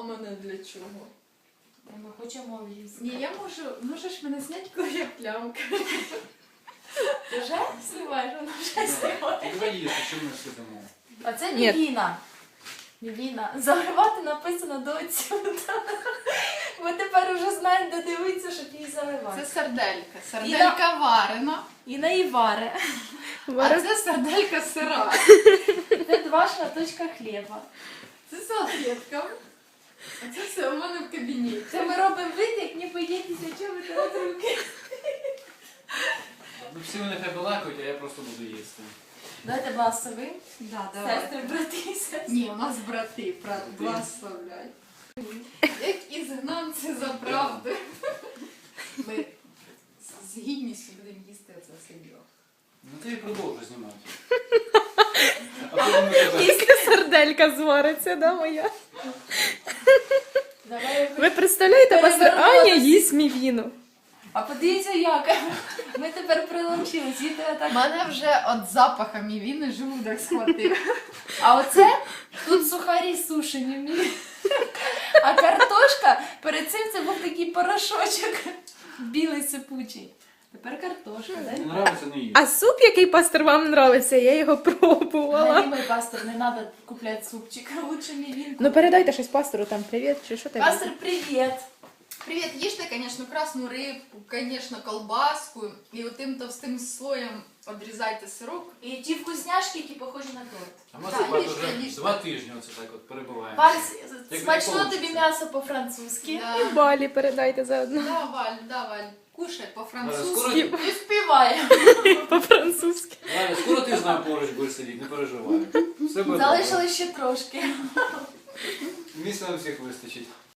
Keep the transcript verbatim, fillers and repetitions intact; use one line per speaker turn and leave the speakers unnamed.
А мене для чого?
Ми хочемо в'їзд.
Ні, я можу, можеш мене зняти, коли я плямка.
Ти вже знімаєш? Вона вже знімає.
Давай їсти, що ми сидимо.
А це
Ні.
мівіна. Мівіна. Заливати написано до отсюда. Ви тепер вже знаєте, де дивитися, щоб її заливати.
Це сарделька. Сарделька варена,
І на Іваре.
а це сарделька сира.
Це два шматочка хліба.
Це салфетка. А це все у мене в кабінеті.
Це ми робимо вид, як ніби є тисяча витирати руки.
Ну всі вони хай балакають, а я просто буду їсти.
Давайте благословимо.
Да,
Сестри, брати і сестри.
Ні, у нас брати, брат, благословляй. Як ізгнанці за правду. Ми з гідністю будемо їсти це все діло.
Ну ти і продовжуй знімати. А потім ми тебе...
Після сарделька звариться, да, моя?
Давай.
Ви представляєте, пастор
Перевернулась.
Аня їсть мівіну.
А подивіться як. Ми тепер прилучились. Її так.
Мене вже від запаха мівіни желудок схватив.
А оце тут сухарі сушені. мі. А картошка, перед цим це був такий порошочок. Білий сипучий. Тепер картошка,
Не
да?
нравиться, не їсть.
А суп, який пастор вам нравився, я його пробувала.
Налімий пастор, не треба купляти супчик, лучше мівінку.
Ну передайте щось пастору, там привіт, чи що тебе.
Пастор, привіт.
Привіт, їжте, звісно, красну рибку, звісно, колбаску. І отим товстим слоєм відрізайте сирок.
І ті вкусняшки, які похожі на торт.
А ми
Так,
це
їжте,
вже
їжте.
два тижні оце так от перебуваємо.
Вальс,
Як
смачно
не
тобі
получиться.
м'ясо по-французьки.
Да.
Балі передайте заодно.
Да, Валь, да, Валь. Кушай
Галя,
по-французьки.
скоро,
І співає.
По-французьки.
Галя, скоро ти з нами поруч будеш сидіти, не переживай. Все буде добре.
Залишилось ще трошки.
Місця на всіх вистачить.